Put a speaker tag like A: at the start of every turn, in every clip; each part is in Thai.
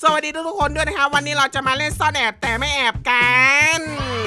A: สวัสดีทุกคนด้วยนะครับวันนี้เราจะมาเล่นซ่อนแอบแต่ไม่แอบกัน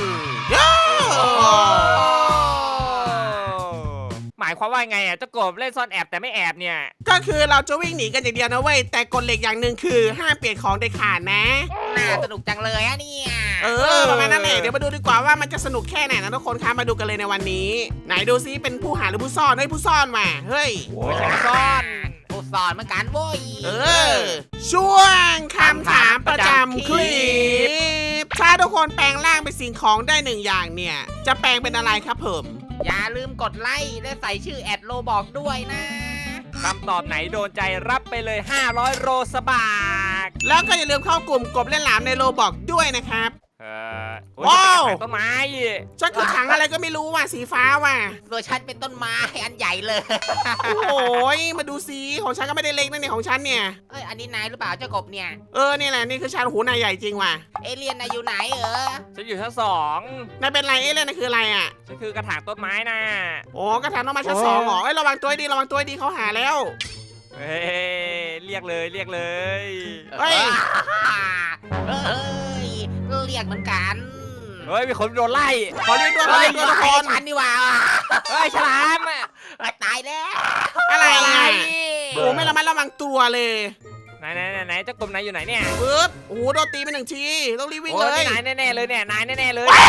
B: หมายความว่าไงอ่ะเจ้ากบเล่นซ่อนแอบแต่ไม่แอบเนี่ย
A: ก็คือเราจะวิ่งหนีกันอย่างเดียวนะเว้ยแต่กฎเหล็กอย่างหนึ่งคือห้ามเปลี่ยนของเด็ดขาดนะ
C: น่าสนุกจังเลยอะเนี่ย
A: ประมาณนั้นแหละเดี๋ยวมาดูดีกว่าว่ามันจะสนุกแค่ไหนนะทุกคนครับมาดูกันเลยในวันนี้ไหนดูซิเป็นผู้หาหรือผู้ซ่อนเฮ้ยผู้ซ่อนมาเฮ้ย
B: ไม่ใช่ซ่อน
C: ผู้ซ่อนเหมือนกันโว้ย
A: ช่วงคำถามประจำคลิปถ้าทุกคนแปลงร่างเป็นสิ่งของได้หนึ่งอย่างเนี่ยจะแปลงเป็นอะไรครับผม
C: อย่าลืมกดไลค์และใส่ชื่อแอดโลบอกด้วยนะ
B: คำตอบไหนโดนใจรับไปเลย500โรสบาก
A: แล้วก็อย่าลืมเข้ากลุ่มกบเล่นหลามในโลบอกด้วยนะครับ
B: ว้าวต้นไม้
A: ฉันคือถังอะไรก็ไม่รู้ว่ะสีฟ้าว่ะ
C: ตัวฉันเป็นต้นไม้อันใหญ่เลย
A: โอ้ยมาดูสิของฉันก็ไม่ได้เล็กนะเนี่ยของฉันเนี่ย
C: อันนี้นายหรือเปล่าเจ้ากบเนี่ย
A: นี่แหละนี่คือฉันหูนายใหญ่จริงว่ะ
C: เอเลี่ยนนายอยู่ไหน
B: ฉันอยู่ชั้น2
A: นายเป็นไรเล่นนะคืออะไรอ่ะ
B: ฉันคือกระถางต้นไม้นะ
A: โอ้กระถางต้นไม้ชั้น2เหรอระวังตัวดีระวังตัวดีเขาหาแล้ว
B: เรียกเลย
A: เฮ้ย
C: เรียกเหมือนกัน
B: เฮ้ยมีคนโดนไล่
A: ขอเรียกด้วยทุกคน
C: ฉันดีกว่า
B: เฮ้ยฉลาม
C: ตายแล้ว
A: อะไรโอ้ไม่ระมัดระวังตัวเลย
B: ไหนเจ้ากบนายอยู่ไหนเนี่ย
A: ปึ๊บโอ้โดนตีไป1 ทีต้องรีบวิ่งเลย
B: นายแน่เลยเนี่ยนายแน่เลย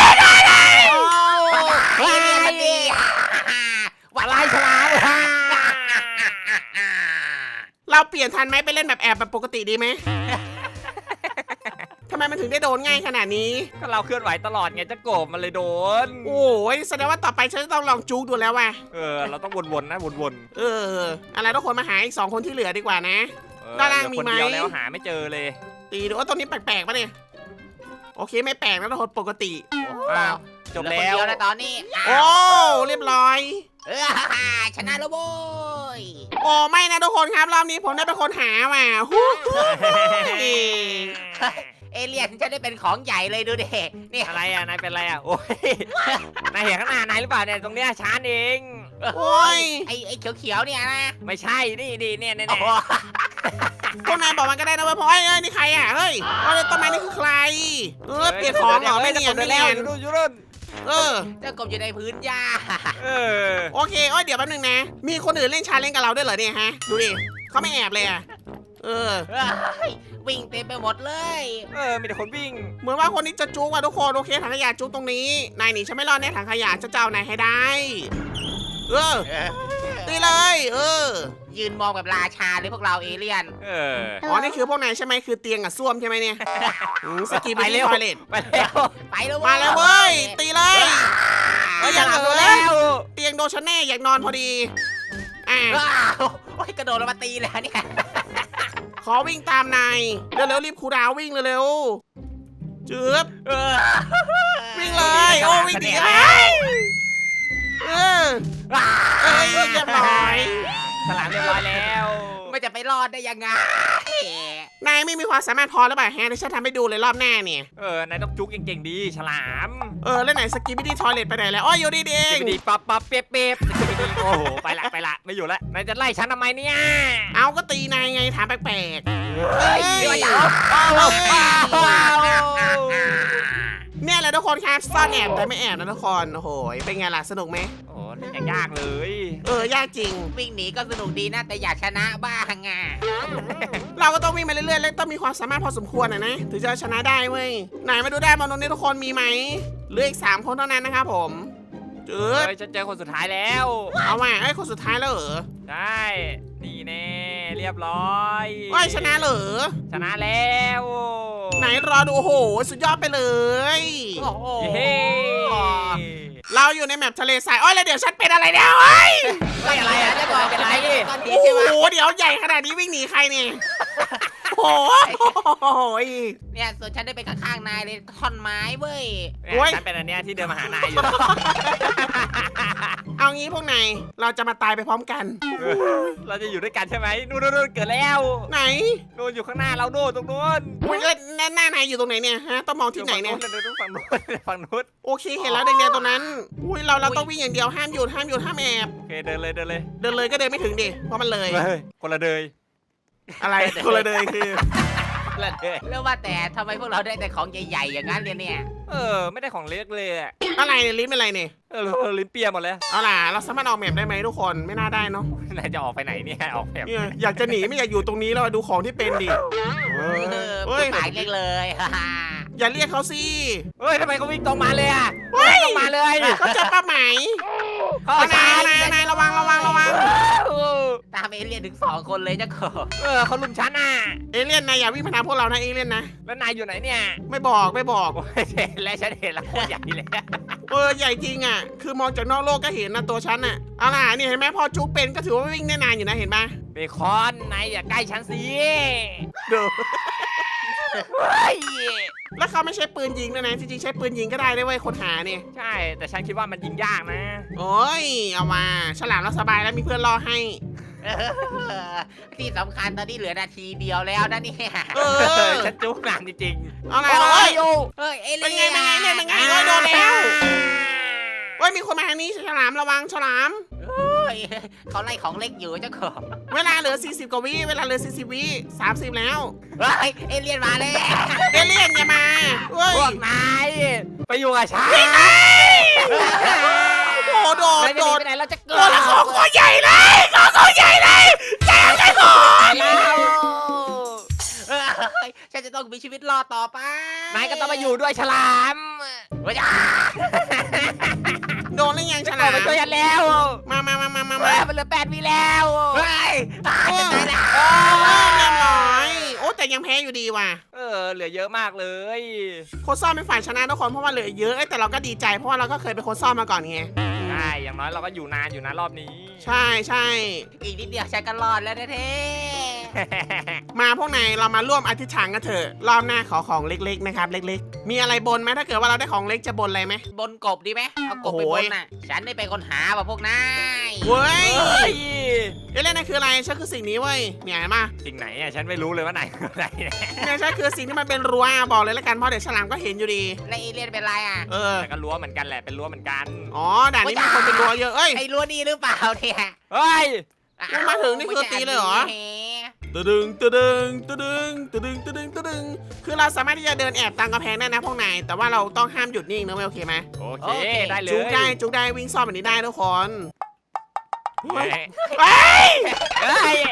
C: เฮ้ยมันดี
B: ว่าไล่ฉลาม
A: เราเปลี่ยนทันไหมไปเล่นแบบแอบแบบปกติดีไหมทำไมมันถึงได้โดนง่ายขนาดนี้
B: ก็เราเคลื่อนไหวตลอดไงเจ้ากบมันเลยโดน
A: โอ้ยแสดงว่าต่อไปฉันจะต้องลองจุกดูแล้วว่ะ
B: เราต้องวนๆนะวน
A: อะไรทุกคนมาหาอีก2 คนที่เหลือดีกว่านะด้านล่างมีไหม
B: คนเดียวแล้วหาไม่เจอเลย
A: ตีดูว่าตรงนี้แปลกๆป่ะเนี่ยโอเคไม่แปลกแล้วทุกคนปกติ
B: จบแล้ว
C: ตอนนี้
A: โอ้เรียบร้อย
C: ชนะแล้วโว้ย
A: โอ้ไม่นะทุกคนครับรอบนี้ผมได้เป็นคนหาว่ะ
C: เอเลี่ยนจะได้เป็นของใหญ่เลยดูดิ
B: นี่อะไรอ่ะนายเป็นอะไรอ่ะโอ้ยนายเห็นข้างหน้านายหรือเปล่าเนี่ยตรงเนี้ยชานเอง
A: โอ้ย
C: ไอ้เขียวๆเนี่ยนะ
B: ไม่ใช่นี่เนี่ย
A: พวกนายบอกมันก็ได้นะเว้ยเพราะนี่ใครอ่ะเฮ้ยต้นไม้นี่คือใครเปลี่ยนของเหรอไม่เนียน
B: อยู่รุ่น
C: เจ้ากบอยู่ในพื้นหญ้า
A: โอเคเดี๋ยวแป๊บนึงนะมีคนอื่นเล่นชาเลนจ์กับเราด้วยเหรอเนี่ยฮะดูดิเขาไม่แอบเลยอ่ะ
C: วิ่งเต็มไปหมดเลย
B: มีแต่คนวิ่ง
A: เหมือนว่าคนนี้จะจุกว่ะทุกคนโอเคถังขยะจุกตรงนี้นายหนีฉันไม่รอดแน่ถังขยะจะเจ้านายให้ได้ตีเลย
C: ยืนมองแบบราชาเลยพวกเราเอเลี่ยน
A: นี่คือพวกนายใช่ไหมคือเตียงกับส้วมใช่ไหมเนี่ยสกีไปเร็ว
C: ไปแล้ว
A: มาแล้วเว้ยตีเลยอยากหลับแล้วเตียงโดนฉันแน่อยากนอนพอดี
C: กระโดดลงมาตีแล้วเนี่ย
A: ขอวิ่งตามนายเร็วๆรีบคูดาววิ่งเร็วๆจืบวิ่งเลยวิ่งดีเรียบร้อย
B: สลามเรียบร้อยแล้ว
C: ไม่จะไปรอดได้ยังไง
A: นายไม่มีความสามารถพอแล้วป่ะฮะที่ฉันทำให้ดูเลยรอบหน้าเนี่ย
B: นายต้องจุกเก่งๆดีฉลาม
A: แล้วไหนสกีบิดี้ทอยเลทไปไหนแล้วอยู่ดีเอง
B: ดีปั๊บเป๊ะโอ้โหไปละไม่อยู่ละนายจะไล่ฉันทำไมเนี่ย
A: เอาก็ตีนายไงถามแปลกเนี่ยแหละทุกคนครับซ่อนแอบแต่ไม่แอบนะทุกคนโอ้โหเป็นไงล่ะสนุกไหม
B: โอ้นี่ยากเลย
A: ยากจริง
C: วิ่งหนีก็สนุกดีนะแต่อยากชนะบ้าง
A: เราก็ต้องวิ่งมาเรื่อยๆแล้วต้องมีความสามารถพอสมควรนะถึงจะชนะได้เว้ยไหนมาดูได้มาตรงนี้ทุกคนมีไหมเหลืออีก3 คนเท่านั้นนะครับผม
B: ฉันเจอคนสุดท้ายแล้ว
A: เอาว่ะคนสุดท้ายแล้วเหรอ
B: ใช่นี่แน่เรียบร้อย
A: ชนะเหรอ
B: ชนะแล้ว
A: ไหนรอดูโอ้โหสุดยอดไปเลย
C: โอ้โห
A: เราอยู่ในแมปทะเลทรายแล้วเดี๋ยวฉันเป็นอะไรเนี่ย
C: อะไรอ่ะจะบอกเป็นไร
A: โอ้โหเดี๋ยวใหญ่ขนาดนี้วิ่งหนีใครเนี่ยโอ้โห
C: เนี่ยส่วนฉันได้ไปข้างๆนายเลยท่อนไม้เว้ย
B: ฉันเป็นอันเนี้ยที่เดินมาหานายอยู่
A: เอางี้พวกนายเราจะมาตายไปพร้อมกัน
B: เราจะอยู่ด้วยกันใช่ไหมนู่นเกิดแล้ว
A: ไหน
B: นู่นอยู่ข้างหน้าเราโน่นตรงนู้น
A: หน้านายอยู่ตรงไหนเนี่ยฮะต้องมองที่ไหนเนี่ย
B: ฝั่งนู้น
A: โอเคเห็นแล้วแดงๆตรงนั้นเราต้องวิ่งอย่างเดียวห้ามหยุดห้ามแอบ
B: โอเคเดินเลย
A: ก็เดินไม่ถึงดิเพราะมันเลย
B: คนละเดย
A: อะไรคนละเดยคือ
B: ละเลย
C: แล้วว่าแต่ทำไมพวกเราได้แต่ของใหญ่ๆอย่างนั้นเนี่ย
B: ไม่ได้ของเล็กเลยอะ
A: อะไรเนี่ยลิ้นเป็นอะไรเนี่ย
B: ลิ้นเปียหมดแล้ว
A: เอาล่ะเราสามารถออกแมปได้ไหมทุกคนไม่น่าได้เนาะ
B: นายจะออกไปไหนเนี่ยออกแบบ
A: เนี่ยอยากจะหนีไม่อยากอยู่ตรงนี้แล้วดูของที่เป็นดิเฮ้ย
C: หมายเล็กเลย
A: อย่าเรียกเขาสิ
B: เฮ้ยทำไมเขาวิ่งตรงมาเลยอะ
A: เฮ้ย
B: ตรงมาเลย
A: เขาจะป้าไหม
B: เขา
A: เอา
B: ช้าน
A: ายระวัง
C: ตามเอเลี่ยนถึง2 คนเลยเจ้าโกบ
B: เขาลุมฉันอ่ะ
A: เอเลี่ยนนายอย่าวิ่งมาทางพวกเรานะเอเลี่ยนนะ
B: แล้วนายอยู่ไหนเนี่ย
A: ไม่บอก
B: โอ้ยเห็นแล้วฉันเห็นแล้วโคตรใหญ่เลย
A: ใหญ่จริงอ่ะคือมองจากนอกโลกก็เห็นนะตัวฉันอ่ะเอาล่ะนี่เห็นไหมพอจุ๊บเป็นก็ถือว่าวิ่งได้นานอยู่นะเห็นปะ
B: เบคอนนายอย่าใกล้ฉันสิ
A: เดี๋ยว
B: เฮ้ย
A: แล้วเขาไม่ใช้ปืนยิงด้วยนะจริงๆใช้ปืนยิงก็ได้ด้วยเว้ยคนหาเนี่ย
B: ใช่แต่ฉันคิดว่ามันยิงยากนะ
A: โอ้ยเอามาฉลามเราสบายแล้วมีเพื่อนรอให้
C: ที่สำคัญตอนนี้เหลือนาทีเดียวแล้วนะเนี่ย
B: ฉันจุกนานจริง
A: เอา
B: ๆ
A: ล่ะเอ้ย
C: เฮ้ยเอ
A: เป็น
C: เลี่ยน
A: ไงโอ้ยโดนแล้วเว้ยมีคนมาทางนี้ฉลามระวังฉลาม
C: เขาไล่ของเล็กอยู่เจ้าโกบ
A: เวลาเหลือ40กว่าวิเวลาเหลือ40วิ30แล้ว
C: เฮ้ยเอเลี่ยนมาแล้ว
A: เอเลี่ยนอย่ามาเว้ย
B: พวกนายไปอยู่กับฉัน
A: โอ้โหโดด
B: นายจะ
A: โด
B: หนี
A: ด
B: ไปไหนเราจะเกิ
A: ตัวละของตัวใหญ่เลยของใหญ่เลยแจ้งได้หมด
B: แล้ว
C: ฉันจะต้องมีชีวิตรอดต่อไป
B: นายก็ต้องมาอยู่ด้วยฉลาม
C: เฮ้ย
A: โดนหรือยังฉ
B: ฉัน
A: ลาม
B: มาช่วยฉันแล้ว
A: มา
B: มันเหลือ8 วิแล้ว
C: เฮ้ยตายจะตายแล้ว
A: เรียบร้อยโอ้แต่ยังแพ้อยู่ดีว่ะ
B: เหลือเยอะมากเลย
A: โค้ชซ่อมเป็นฝ่ายชนะทุกคนเพราะว่าเหลือเยอะแต่เราก็ดีใจเพราะว่าเราก็เคยเป็นโค้ชซ่อมมาก่อนไง
B: ใช่อย่างน้อยเราก็อยู่นานอยู่นะรอบนี้
A: ใช่ใช่
C: อีกนิดเดียวฉันก็รอดแล้วเท่
A: มาพวกนายเรามาร่วมอธิษฐานกันเถอะรอบหน้าขอของเล็กๆนะครับเล็กๆ มีอะไรบนไหมถ้าเกิดว่าเราได้ของเล็กจะบนอะไรไหม
C: บนกบดีไหมเอากบไปบนน่ะ ฉันได้เป็นคนหาว่ะพวกนาย
A: เว้ย
B: เฮ้ย
A: เอเล่นนั่นคืออะไรฉันคือสิ่งนี้เว้ยเนี่ยเห็นปะ
B: สิ่งไหนอ่ะฉันไม่รู้เลยว่าไหนคือไหนเนี่ย
A: เนี่ยฉันคือสิ่งที่มันเป็นรั้วบอกเลยละกันเพราะเดี๋ยวฉลามก็เห็นอยู่ดี
C: แล้วเอเลี่ยนเป็นไรอ่ะ
B: แต่ก็รั้วเหมือนกันแหละเป็นรั้วเหมือนกัน
A: อ๋อด่านนี้มีคนเป็นรั้วเยอะเอ้ย
C: ไอ้รั้วนี่หรือเปล่าเนี่ย
B: เฮ้ย
A: มันมาถึงนี่คือตีเลยเหรอ ตึดึงคือเราสามารถที่จะเดินแอบตามกำแพงได้นะพวกนายแต่ว่าเราต้องห้ามหยุดนิ่งนะไม่โอเคไหม
B: โอเคได้เลย
A: จุกได้วิ่งซ่อมแบบนี้ได้ทุกคน
B: เฮ้ย
A: เฮ้ย
B: เฮ้ย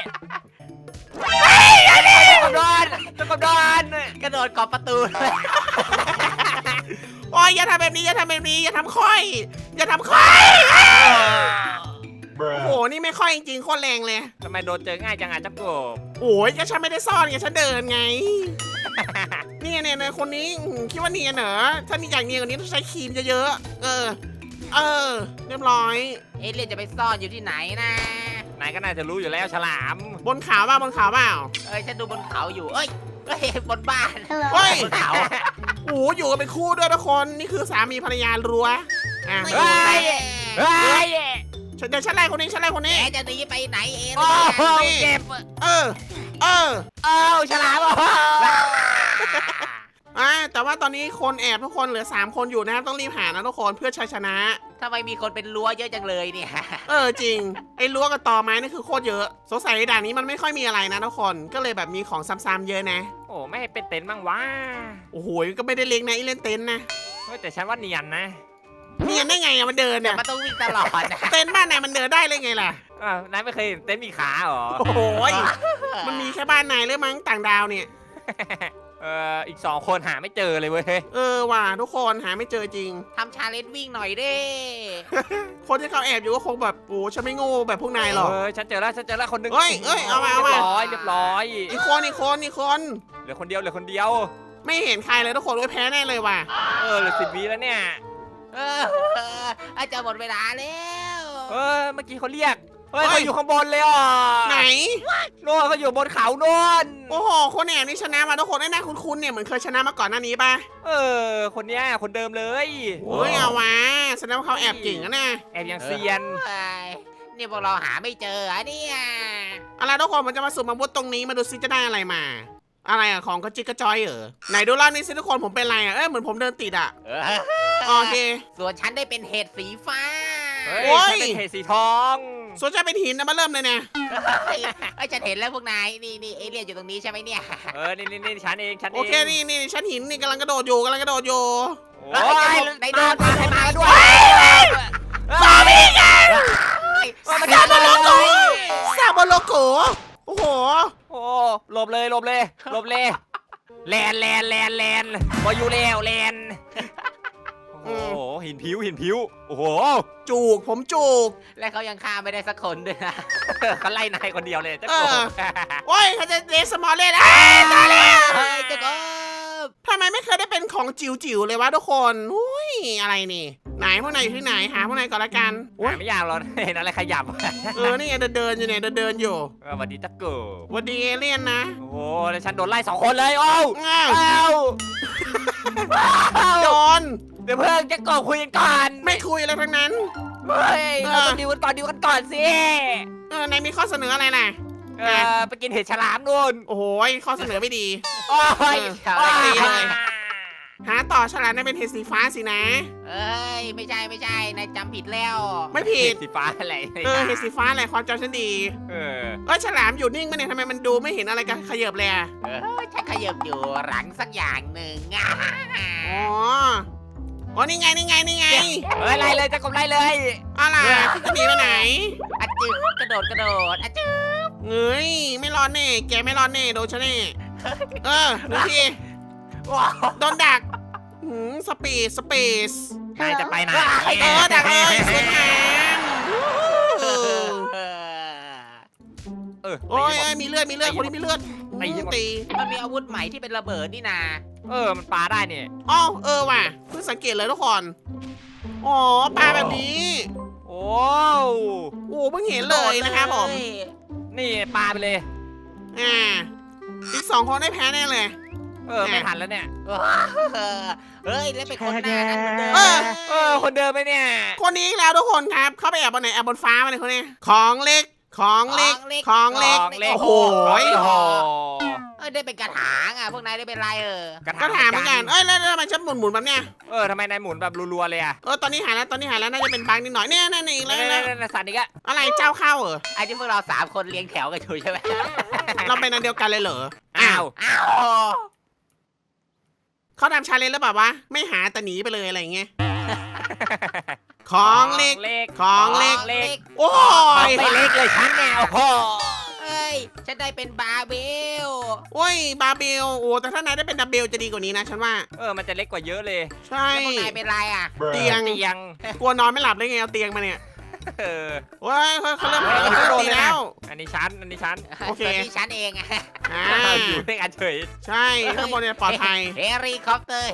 B: ตะกบดอน
C: กระโดดกอบประตู
A: โอ้ยอย่าทำแบบนี้อย่าทำค่อยโอ้โหนี่ไม่ค่อยจริงๆโคตรแรงเลย
B: ทำไมโดนเจอง่ายจังอ่ะจับกบ
A: โอ้ยก็ฉันไม่ได้ซ่อนไงฉันเดินไงเนี่ยคนนี้คิดว่าเนียนเหรอถ้ามีอย่างเนียนกว่านี้ต้องใช้ครีมเยอะๆเรียบร้อย
C: เอเลี่ยนจะไปซ่อนอยู่ที่ไหนนะ
B: นายก็น่าจะรู้อยู่แล้วฉลาม
A: บนเขาเปล่า
C: ฉันดูบนเขาอยู่เอ้ยบนบ้าน
A: เฮ้ย
C: บนเขา
A: โอ้อยู่กันเป็นคู่ด้วยทุกคนนี่คือสามีภรรยารั้วอ่ะ
C: เฮ้ย
B: เฮ้ย
A: เดี๋ยวฉันไล่คนนี้
C: แกจะหนีไปไหนเอ
B: โอ้
C: เลี่ยน
B: โหเจ็บ
A: เออ
B: ฉลามโอ้โห
A: แต่ว่าตอนนี้คนแอบทุกคนเหลือ3คนอยู่นะครับต้องรีบหานะทุกคนเพื่อชัยชนะ
C: ทำไมมีคนเป็นรั้วเยอะจังเลยเนี่ย
A: จริงไอ้รั้วกับตอไม้นี่คือโคตรเยอะสงสัยด่านนี้มันไม่ค่อยมีอะไรนะทุกคนก็เลยแบบมีของซ้ำๆเยอะนะ
B: โอ้ไม่ให้เป็นเต็นท์บ้างวะ
A: โอ้โหก็ไม่ได้เล็กนะไอ้เล่นเต็นท์นะ
B: เฮ้ยแต่ฉันว่าเนียนนะ
A: เนียนได้ไงอะมันเดิน
C: แต่
A: เนี่ย
C: มันต้องวิ่งตลอดนะ
A: เต็นท์บ้านไหนมันเดินได้เลยไงล่ะ
B: นายไม่เคยเห็นเต็นท์มีขาเหรอ
A: โอ้โหมันมีแค่บ้านนายหรือมั้งต่างดาวเนี่ย
B: อีก2 คนหาไม่เจอเลยเว้ย
A: ว่ะทุกคนหาไม่เจอจริง
C: ทำชาเลนจ์วิ่งหน่อยเด้
A: คนที่เขาแอบอยู่ก็คงแบบโอ้ฉันไม่โง่แบบพวกนายหรอก
B: ฉันเจอแล้วคนหนึง
A: เฮ้ยเอามา
B: เรียบร้อย
A: อีกคน
B: เหลือคนเดียว
A: ไม่เห็นใครเลยทุกคนโอ้ยแพ้แน่เลยว่ะ
B: เหลือ10 วิแล้วเนี่ย
C: อาจจะหมดเวลาแล้ว
B: เมื่อกี้เขาเรียกเขาอยู่ข้างบนเลยอ่ะ
A: ไหน
B: โน่นเขาอยู่บนเขาโน่น
A: โอ้โหคนแอบนี่ชนะมาทุกคนได้หน้าคุ้นๆเนี่ยเหมือนเคยชนะมาก่อนหน้านี้ป่ะ
B: คนเนี้ยคนเดิมเลย
A: เฮ้ยเอาวะแสดงว่าเขาแอบเก่งนะเนี่ย
B: แอบยังเซียน
C: นี่พวกเราหาไม่เจอเนี่ย
A: อะไรทุกคนมันจะมาสุ่มอาวุธตรงนี้มาดูซิจะได้อะไรมา อะไรอะของกระจิกกระจอยเหรอไหนดูรอบนี้สิทุกคนผมเป็นอะไรอะเหมือนผมเดินติดอะโอเค
C: ส่วนฉันได้เป็นเห็ดสีฟ้า
B: เฮ้ยฉันเป็นเห็ดสีทอง
A: ส่วนจะเป็นหินนะมาเริ่มเลยเนี่ย
C: ไอ้ยฉันเห็นแล้วพวกนายนี่เอเลี่ยนอยู่ตรงนี้ใช่ไหมเนี่ย
B: นี่ฉันเองฉันเอง
A: โอเคนี่ชั้นหินนี่กำลังกระโดดอยู่
B: โอ้ย
C: ในโดนใครมาด้วย
A: ซอมบี้กัน
C: ซา
A: ซาบโลโกซาบโลโกโอ้โห
B: โอ้หลบเลยแลนบอยู่แล้วแลนโอ้โหหินผิวโอ้โห
A: ผมจูก
C: และเขายังฆ่าไม่ได้สักคนด้วยนะ
B: เขาไล่นายคนเดียวเลยเจ้า
A: เอ
B: โก
A: อ
B: บ
A: โอ้ยเขาจะเดสมอลเล่นตายแล้ว
C: เฮ้ยเจ้าก็
A: ทำไมไม่เคยได้เป็นของจิ๋วๆเลยวะทุกคนอุ้ยอะไรนี่ไหนพวกนายอยู่ที่ไหนหาพวกนายก่อนละกันโอ้ย
B: ไม่ยากหรอกเห็นอะไรขยับ
A: นี่ไงเดินอยู่เนี่ยเดินอยู่
B: สวัสดีเจ้าโกบ
A: หวันดีเอเลี่ยนนะ
B: โอ้โหแล้วฉันโดนไล่2 คนเลยโอ้
A: อ้าว
B: อ้าว
A: โดน
B: เดี๋ยวเพิ่งจะโกบคุยกันก่อน
A: ไม่คุยอะไรทั้งนั้น
B: เฮ้ยเราต้องดิวกันก่อนสิ
A: นายมีข้อเสนออะไรน่ะ
B: ไปกินเห็ดฉลามนู่น
A: โอ้โหข้อเสนอไม่ดี
B: โอ้ย
A: ดีเลย หาต่อฉลามได้เป็นเห็ดสีฟ้าสินะ
C: เอ้ยไม่ใช่นายจำผิดแล้ว
A: ไม่ผิ
B: เห็
A: ด
B: ดสีฟ้าอะไร
A: เห็ดสีฟ้าแหละความจำฉันดี ฉลามอยู่นิ่งมาเนี่ยทำไมมันดูไม่เห็นอะไรกันขยับเลยอะ
C: ฉันขยับอยู่หลังสักอย่างหนึ่งอ่ะ
A: อ๋อนี่ไง
B: เฮ้ยไล่เลยจะกบไล่เลย
A: อะไรพี่จะหนีไปไหน
C: อะจืบกระโดดอะจืบ
A: เฮ้ยไม่รอดแน่แกไม่รอดแน่โดนฉันแน่ดูทีโดนดักสปีด
B: นายจะไปไหน
A: ดักเลยสวยงามโอ้ยมีเลือดคนนี้มีเลือดตี
C: มันมีอาวุธใหม่ที่เป็นระเบิดนี่นา
B: มันปลาได้เนี่ย
A: อ๋อว่ะเพิ่งสังเกตเลยทุกคนอ๋อปลาแบบนี้
B: โอ้
A: โอ้เพิ่งเห็นเลยนะครับผม
B: นี่ปลาไปเลย
A: อีก2 คนได้แพ้แน่เลย
B: ไม่ทันแล้วเนี่ย
C: เฮ้ยแล้วเป็นคนหน้านั้นเหมือนเดิม
B: คนเดิมไหมเนี่ย
A: คนนี้อีกแล้วทุกคนครับ เข้าไปแอบบนไหนแอบบนฟ้ามาเลยคนนี้ของเล็ก โอ้โห
C: ได้เป็นกระถางอ่ะพวกนายได้เป็นไร
A: ก็ถามเหมือนกันแล้วทำไมฉันหมุนแบบเนี้ย
B: ทำไมนายหมุนแบบรัวๆเลยอ่ะ
A: ตอนนี้หายแล้วน่าจะเป็นบังนิดหน่อยเนี่ยนั่นอีกแล้ว
B: สัตว์อีกอะ
A: อะไรเจ้าเข้าเหรอ
C: ไอ้ที่พวกเรา3 คนเลี้ยงแถวกันอยู่ใช่ไหม
A: เราเป็นอันเดียวกันเลยเหรอ
B: อ้าว
A: เขาทำชาเลนจ์แล้วแบบว่าไม่หาแต่หนีไปเลยอะไรอย่างเงี้ยของเล็ก โอ้ย
B: ไม่เล็กเลยฉันแนวโอ้
C: เฮ้ยฉันได้เป็นบาร์เบล
A: โอ้ยบาเบลแต่ถ้านายได้เป็นดับเบลจะดีกว่านี้นะฉันว่า
B: มันจะเล็กกว่าเยอะเลย
A: ใช่
C: แล้วพวกนายเป็นไรอ่ะ
A: เตียง กลัวนอนไม่หลับได้ไงเอาเตียงมาเนี่ยโอ้ยเขาเริ่มตีแล้ว
B: อันนี้ชั้น
A: โอเค
C: ส่วนที่ฉันเองอ่ะ
B: อยู่ด้วยกันเฉย
A: ใช่ข้างบนเนี่ยปลอดภัย
C: เฮลิคอปเตอร์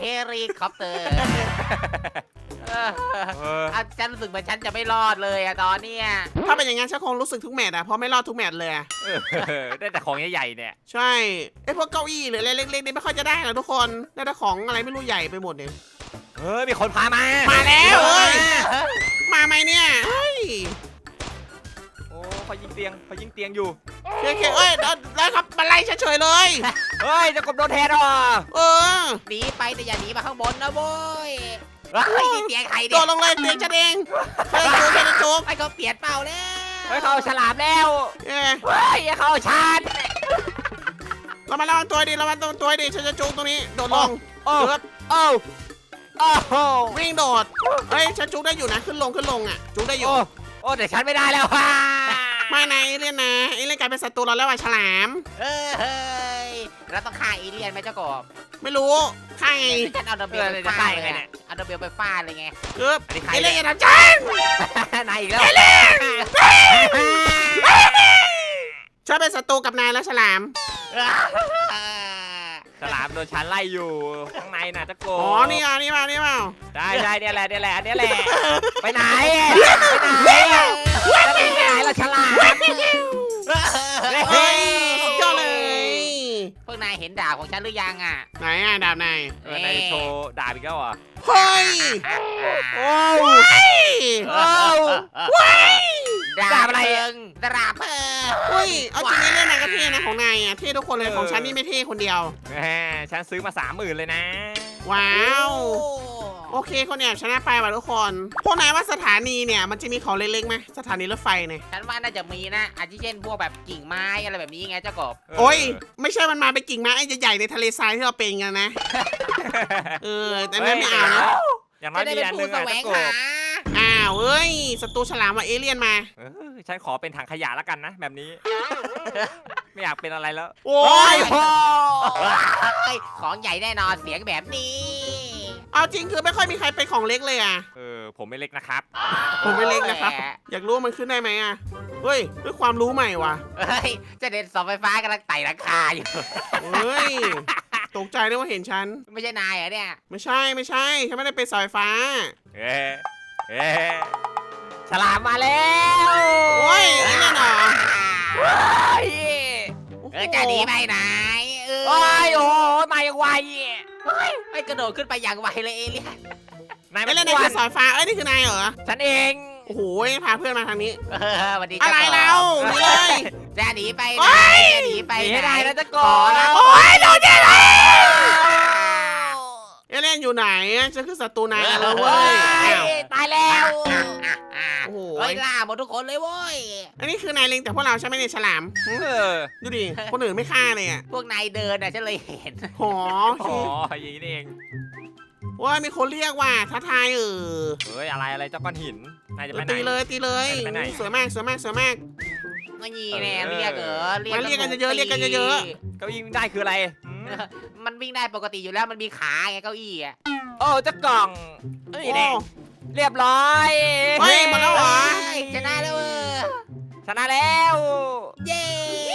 C: ฉันรู้สึกเหมือนฉันจะไม่รอดเลยอะตอนเนี้ย
A: ถ้าเป็นอย่างงั้นฉันคงรู้สึกทุกแมตช์อะเพราะไม่รอดทุกแมตช์เลยอะ
B: ได้แต่ของใหญ่ๆเนี่ย
A: ใช่พวกเก้าอี้หรืออะไรเล็กๆนี่ไม่ค่อยจะได้หรอกทุกคนได้แต่ของอะไรไม่รู้ใหญ่ไปหมดเนี่ย
B: มีคนพามา
A: มาแล้วเฮ้ยมาไหมเนี่ยเฮ้ย
B: โอ้เขายิงเตียงอยู่
A: โอเคได้ครับมาไล่เฉยๆเลย
B: เฮ้ยจะกบโดนแทนอ่ะ
C: หนีไปแต่อย่าหนีมาข้างบนนะโว้ยนี่เตียงใคร
A: โด
C: เนี่ย
A: ดลงเลยเตียงฉันเองเธอจะจุบ
C: ไอ้เขาเปลี่ยนเปล่าแล้ว
B: เฮ้ยเขาเอาฉลามแล้ว
A: เอ้ย
B: เฮ้ยเขาเอาชาร์จ
A: เรามาระวังตัวดิฉันจะจุบตรงนี้โดดลง
B: โอ้
A: เกือบ
B: โอ้โอ้
A: วิ่งโดดเฮ้ยฉันจุบได้อยู่นะขึ้นลงอ่ะจุบได้อยู่
B: โอ้แต่ฉันไม่ได้แล้วว่ะ
A: ไม่นะเอเลี่ยนนะเอเลี่ยนกลายเป็นศัตรูเราแล้วว่ะฉลาม
C: เฮ้ยเราต้องฆ่าเอเลี่ยนไหมเจ้ากบ
A: ไม่รู้ใคร
C: ฉันเอาดัมเบลไปฟาดเลยเอาดัมเบลไปฟาดเลยไง
A: เกือบเอเลี่ยนอย่าทำฉัน
B: นายอีกแล้ว
A: ฉันเป็นศัตรูกับนายแล้วฉลาม
B: ฉลามโดนฉันไล่อยู่ข้างในน่ะจะโก
A: อ๋อนี่มา
B: ได้เนี่ยแหละไปไหนจะไปไหนล่ะฉลาม
A: เฮ้ยสุดยอดเลย
C: พวกนายเห็นดาบของฉันหรือยังอ่ะ
A: ไหนดาบนาย
B: นายโชว์ดาบอีกแล้วเหรอ
A: เฮ้ย
B: โอ้
C: ดาบอะไรดาบ
A: เฮ้ยเอาจริงๆเล่นนายก็เท่นะของนายเท่ทุกคนเลยของฉันนี่ไม่เท่คนเดียว
B: ฉันซื้อมา30,000เลยนะ
A: ว้าวโอเคคนแอบชนะไปว่ะทุกคนพวกนายว่าสถานีเนี่ยมันจะมีของเล็กๆไหมสถานีรถไฟเนี่ย
C: ฉันว่าน่าจะมีนะอาทิเช่นพวกแบบกิ่งไม้อะไรแบบนี้ไงเจ้ากบ
A: โอ้ยไม่ใช่มันมาเป็นกิ่งไม้ไอ้ใหญ่ๆในทะเลทรายที่เราเป็นกันนะแต่นั่นไม่เอานะ
B: อย่างน้อ
C: จะ
B: ย
C: ได้
B: มี
C: เป็น
B: อันหนึ
C: ผู้
B: ง
C: แส
B: อะ
C: ว
B: เจ้าง กบ
C: หา
A: อ้าวเอ้ยศัตรูฉลามว่าเอเลี่ยนมา
B: ฉันขอเป็นถังขยะแล้วกันนะแบบนี้ ไม่อยากเป็นอะไรแล้ว
A: โอ้ย
B: โอ้
C: เฮ้ยของใหญ่แน่นอนเสียงแบบนี้
A: เอาจริงคือไม่ค่อยมีใครเป็นของเล็กเลยอ่ะ
B: ผมไม่เล็กนะครับ
A: ผมไม่เล็กนะครับ อยากรู้ว่ามันขึ้นได้ไหมอ่ะเฮ้ยด้วยความรู้ใหม่ว่ะ
C: เฮ้ยเจะเด็นเสาไฟฟ้ากำลังไต่ราคาอยู่
A: เฮ้ยตกใจด้วยว่าเห็นฉัน
C: ไม่ใช่นายเหรอเนี่ย
A: ไม่ใช่ฉันไม่ได้เป็นเสาไฟฟ้า
B: เอ๊ะเอ๊ะฉลามมาแล้ว
A: โอ้ยนี่แน่นอน
B: เฮ้ย
C: จะหนีไปไหน
B: โอ้ยโอ้ยมาอย่างไว
C: ไม่กระโดดขึ้นไปอย่างไวเลยเอเลี่ยน
B: นาย
A: ไม่
B: ไม่
A: เล่น
B: เล่น
A: ใน
B: ใน
A: คือเสาไฟฟ้านี่คือนายเหรอ
B: ฉันเอง
A: โอ้โหพาเพื่อนมาทางนี้
C: สวัสดี
A: อะไรเรานี่เลย
C: จะหนีไป
A: โอ๊
C: ไหน
A: ย
C: จะหนีไป
B: หนี
C: ไหน
B: ให้ได้นะเจะก
C: ขอบ นะ
A: โอ้ยโดนแย่เลยเอเลี่ยนอยู่ไหนฉันคือศัตรูนายแล้วเว้ยอ้าว
B: ตายแล้ว
A: โอ้โห
C: เฮ้ยล่าหมดทุกคนเลยเว้ย
A: อันนี้คือนายเล็งแต่พวกเราใช่ไหมเนี่ยฉลามหึ
B: เออ
A: ดูดิคนอื่นไม่ฆ่าเลยอ่ะ
C: พวกนายเดินน่ะฉันเลยเห็น
A: หอ
B: อ๋ออย่างนี้นี่เอง
A: ว่ามีคนเรียกว่าท้าทาย
B: เฮ้ยอะไรเจ้าก้อนหินนายจะไปไหน
A: ตีเลย
B: ไปไหน
A: สวยมาก
C: ไม่ยีแน่เรียกเหรอ
A: มาเรียกกันเยอะๆเรียกกันเยอะ
B: เก้าอี้วิ่งได้คืออะไร
C: มันวิ่งได้ปกติอยู่แล้วมันมีขาไงเก้าอี้อ่ะ
B: โอ้เจ้ากล่อง
A: โอ้
B: นี่แน่เรียบร้อย
A: เฮ้ยหมดแล้วเหรอ
C: ชนะแล้ว
B: ชนะแล้ว
C: เย้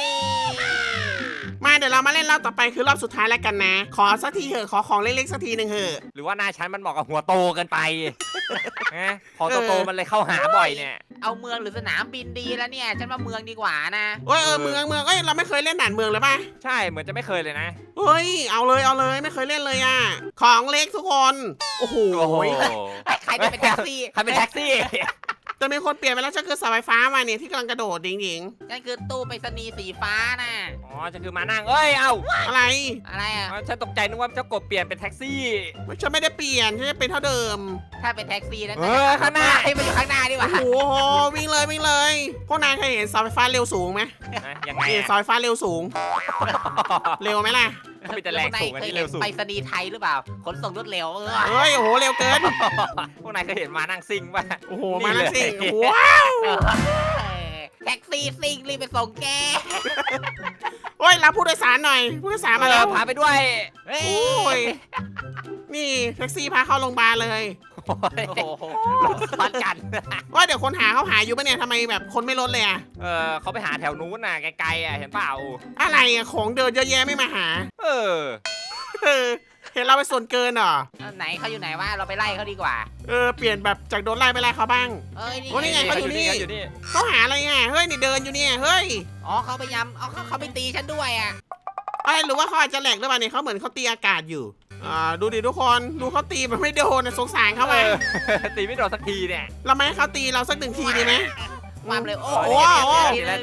A: มาเดี๋ยวเรามาเล่นรอบต่อไปคือรอบสุดท้ายแล้วกันนะ ขอสักทีเถอะขอของเล็กๆสักทีหนึ่งเถอะ
B: หรือว่านายฉันมันเหมาะกับหัวโตเกินไปนะพอโตๆมันเลยเข้าหาบ่อยเนี่ย
C: เอาเมืองหรือสนามบินดีแล้วเนี่ยฉันว่าเมืองดีกว่านะ
A: เมืองเราไม่เคยเล่นด่านเมืองเลยป่ะ
B: ใช่เหมือนจะไม่เคยเลยนะ
A: เฮ้ยเอาเลยไม่เคยเล่นเลยอ่ะของเล็กทุกคนโอ้โห
B: โอ้โห
C: ใครจะเป็นแท็กซี่
B: ใครเป็นแท็กซี่
A: จะมีคนเปลี่ยนไปแล้วจะคือเสาไฟฟ้ามาเนี่ยที่กำลังกระโดดหญิง
C: นั่นคือตู้ไปรษณีย์สีฟ้าน่ะ
B: อ๋อจะคือมานั่งเอ้ยเอ้า
A: ๆอะไร
C: อะไรอ่ะ
B: ฉันตกใจนึกว่าเจ้ากบเปลี่ยนเป็นแท็กซี่
A: ฉันไม่ได้เปลี่ยนฉันจะเป็นเท่าเดิม
C: ถ้าเป็นแท็กซี่นะ
B: ข้างหน้า
C: ให้มันอยู่ข้างหน้าดีก
A: โอ้
C: ว่า
A: โหวิ่งเลยพวกนายเคยเห็นเสาไฟฟ้าเร็วสูงไหม
B: ยังไง
A: นี่เสาไฟฟ้าเร็วสูง เร็วไหมล่ะ
B: มีแต่แรงสูงอันนี้เร็วสูง
C: ไปรษณีย์ไทยหรือเปล่าขนส่งรวดเร็ว
A: เฮ้ยโอ้โหเร็วเกิน
B: พวกนายเคยเห็นมานั่งซิ่งป่ะ
A: โอ้โหมาแล้วสิ
B: นี่เลย
A: ว้าว
C: แท็กซี่ซิ่งรีบไปส่งแก
A: โอ้ยรับผู้โดยสารหน่อยผู้โดยสารมาแล้ว
B: พาไปด้วย
C: เฮ้ย
A: โอ้ยนี่แท็กซี่พาเข้าโรงพยาบาลเลย
B: โอ้ย
C: โอ้โห
B: รถซ้อนกัน
A: ว่าเดี๋ยวคนหาเขาหาอยู่ปะเนี่ยทำไมแบบคนไม่ลดเลยอะ
B: เขาไปหาแถวนู้นน่ะไกลๆอ่ะเห็นเปล่า
A: อะไรอะของเดินเยอะแยะไม่มาหา
B: เออ
A: เออเห็นเราไปส่วนเกินเหรอ
C: ไหนเขาอยู่ไหนวะเราไปไล่เขาดีกว่า
A: เปลี่ยนแบบจากโดนไล่ไปไล่เขาบ้าง
C: เอ้ย
A: โอ้นี่ไงเขาอยู่นี่
B: อยู่นี่
A: เขาหาอะไรอ่ะเฮ้ยนี่เดินอยู่เนี่ยเฮ้ย
C: อ๋อเขาพยายามเขาไปตีฉันด้วยอ่ะ
A: อะไรหรือว่าเขาอาจจะแหลกหรือเปล่าเนี่ยเขาเหมือนเขาตีอากาศอยู่ดูดิทุกคนดูเขาตีมันไม่โดนนะสงสารเขาไป
B: ตีไม่โดนสักทีเนี่ย
A: เราไม่ให้เขาตีเราสักหนึ่งทีดีไหม
C: ความเร็วโอ้
A: โอ้
C: โห
A: โห
B: ติดแล้ว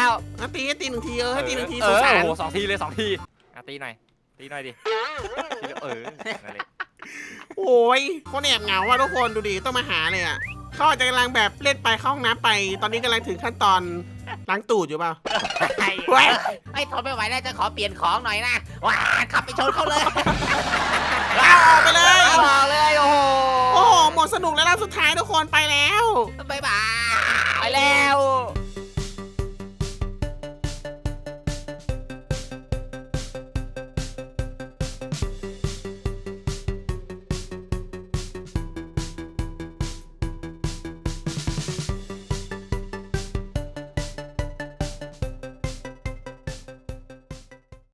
A: อ่ะตีให้ตีหนึ่งทีให้ตีหนึ่งที
B: เอ
A: สง
B: อ
A: สาร
B: โอ้โห2 ทีเลย2 ทีตีหน่อยดิทีละนั่นเลย
A: โอ้ยเขาแอบเหงาว่ะทุกคนดูดิต้องมาหาเลยอ่ะเขาอาจจะกำลังแบบเล่นไปเข้าห้องน้ำไป ตอนนี้กำลังถึงขั้นตอนล้างตูดอยู่เปล่าเว้ย
C: ไม่ทนไม่ไหวแล้วจะขอเปลี่ยนของหน่อยนะว้าขับไปชนเขาเลย
A: เอาออกไปเลย
B: บอกเลยโอ้โห
A: โอ้โหหมดสนุกแล้วรอบสุดท้ายทุกคนไปแล้ว
C: บ๊ายบาย
B: ไปแล้ว
C: บ